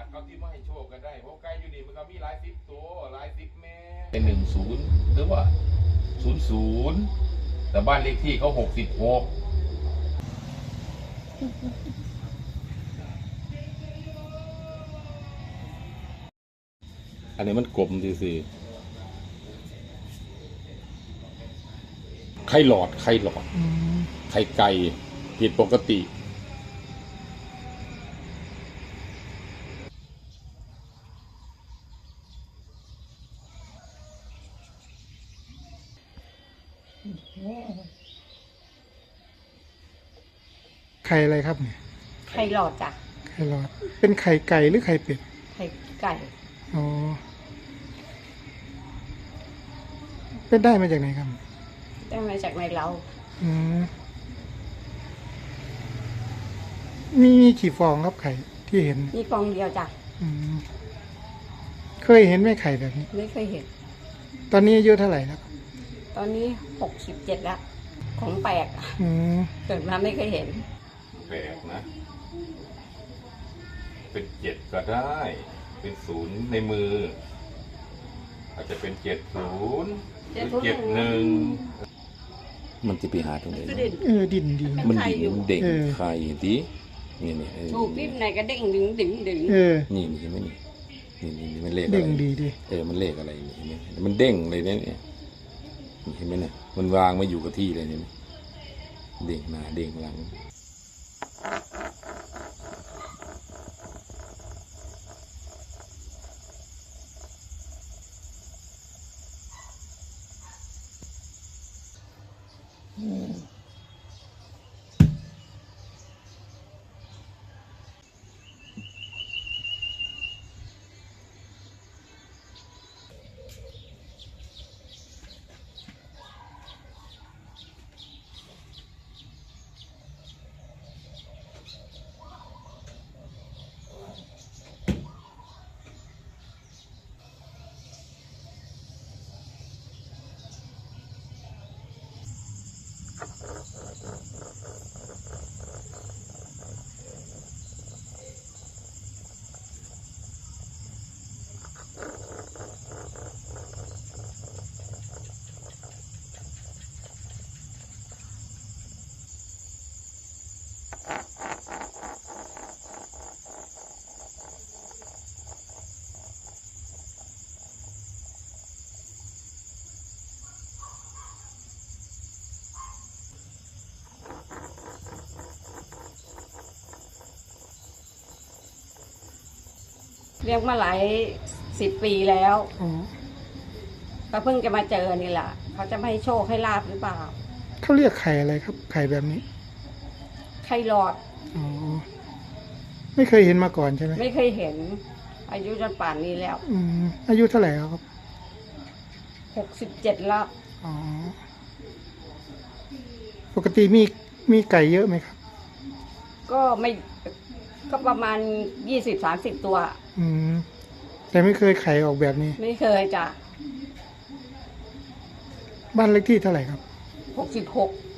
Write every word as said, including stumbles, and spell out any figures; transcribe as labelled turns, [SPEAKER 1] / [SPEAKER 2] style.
[SPEAKER 1] เขาที่มาให้โชคกันได้เพราะไก่อยู่นี่มันก็มีหลายสิบตัวหลายสิบแม่เป็นหนึ่งศูนย์หรือว่าศูนย์ศูนย์แต่บ้านเลขที่เขาหกสิบหกอันนี้มันกลมดีสิไข่หลอดไข่หลอดไข่ไก่ผิดปกติ
[SPEAKER 2] ไข่อะไรครับเนี่ย
[SPEAKER 3] ไข่หลอดจ้ะ
[SPEAKER 2] ไข่หลอดเป็นไข่ไก่หรือไข่เป็ด
[SPEAKER 3] ไข่ไก่
[SPEAKER 2] อ๋อเป็นได้มาจากไหนครับ
[SPEAKER 3] ได้มาจากในเรา
[SPEAKER 2] อืมมีมีกี่ฟองครับไข่ที่เห็น
[SPEAKER 3] มีฟองเดียวจ้ะ
[SPEAKER 2] อืมเคยเห็นไหมไข่แบบนี้
[SPEAKER 3] ไม่เคยเห็น
[SPEAKER 2] ตอนนี้อายุเท่าไหร่แล้ว
[SPEAKER 3] ตอนนี้หกสิบเจ็ดแล้วของแปลก
[SPEAKER 2] อืม
[SPEAKER 3] เกิดมาไม่เคยเห็น
[SPEAKER 1] แปลกนะเป็นเจ็ดก็ได้เป็นศูนย์ในมืออาจจะเป็นเจ็ดศูนย์หรือเจ็ดหนึ่งมันจะไปหาตรงไหน
[SPEAKER 2] เออดินดี
[SPEAKER 1] มันดินมันเด็กไข่ดินี่นี่
[SPEAKER 3] ถูกพิษไหนก็เด้งดึงดึงดึง
[SPEAKER 2] เออ
[SPEAKER 1] นี่นี่เห็นไหมนี่นี่นี่มันเลขอะไร
[SPEAKER 2] เด้งดีดิ
[SPEAKER 1] เออมันเลขอะไรนี่เห็นไหมมันเด้งเลยเนี่ยเห็นไหมเนี่ยมันวางไม่อยู่กับที่เลยเนี่ยเด้งหน้าเด้งหลัง
[SPEAKER 3] เลี้ยงมาหลายสิบปีแล้วก็เพิ่งจะมาเจอนี่แหละเขาจะไม่ให้โชคให้ลาบหรือเปล่า
[SPEAKER 2] เขาเรียกไข่อะไรครับไข่แบบนี้
[SPEAKER 3] ไข่หลอด
[SPEAKER 2] อ๋อไม่เคยเห็นมาก่อนใช่ไหม
[SPEAKER 3] ไม่เคยเห็นอายุจนป่านนี้แล้ว
[SPEAKER 2] อืมอายุเท่าไหร่ครับ
[SPEAKER 3] หกสิบเจ็ดแล้ว
[SPEAKER 2] อ๋อปกติมีมีไก่เยอะไหมครับ
[SPEAKER 3] ก็ไม่ก็ประมาณยี่สิบสามสิบตัว
[SPEAKER 2] อืมแต่ไม่เคยไข่ออกแบบนี้
[SPEAKER 3] ไม่เคยจ้ะ
[SPEAKER 2] บ้านเลขที่เท่าไหร่ครับ
[SPEAKER 3] หกสิบหก